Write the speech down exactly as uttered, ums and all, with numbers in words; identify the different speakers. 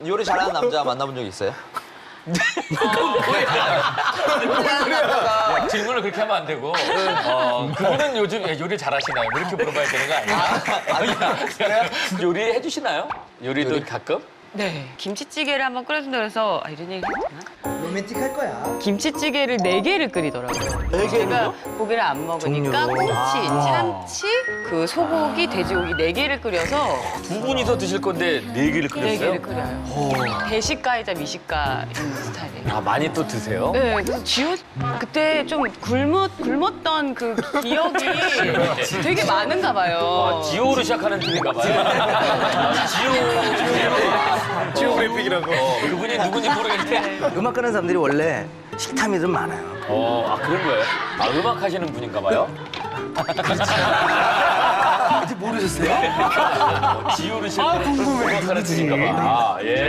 Speaker 1: 요리 잘하는 남자 만나본 적 있어요?
Speaker 2: 야, 질문을 그렇게 하면 안 되고 어, 그분은 요즘 요리 잘하시나요? 뭐 이렇게 물어봐야 되는 거 아니야? 그래요? 요리 해주시나요? 요리도 가끔?
Speaker 3: 네. 김치찌개를 한번 끓여준다 그래서 아, 이런 얘기 했나?
Speaker 4: 로맨틱할 거야.
Speaker 3: 김치찌개를 네 개를 끓이더라고요. 네 제가 고기를 안 먹으니까
Speaker 4: 종류로.
Speaker 3: 꼬치, 참치, 그 소고기, 돼지고기 네 개를 끓여서
Speaker 2: 두 분이서 드실 건데 네 개를
Speaker 3: 네
Speaker 2: 끓였어요?
Speaker 3: 개를 끓여요. 대식가이자 미식가인 스타일이에요.
Speaker 2: 아, 많이 또 드세요?
Speaker 3: 네, 그래서 지호 그때 좀 굶었 굶었던 그 기억이 되게 많은가 봐요.
Speaker 2: 아, 지오로 시작하는 팀인가 봐요. 아, 지오. 지오 그래픽이라고. 어, 그분이 누군지 모르겠는데.
Speaker 4: 음악 하는 사람들이 원래 식탐이 좀 많아요.
Speaker 2: 어, 아, 그런 거예요? 아, 음악 하시는 분인가 봐요?
Speaker 4: 아직 모르셨어요?
Speaker 2: 어, 지오로 시작하는 음악 하는 팀인가 봐. 아, 예.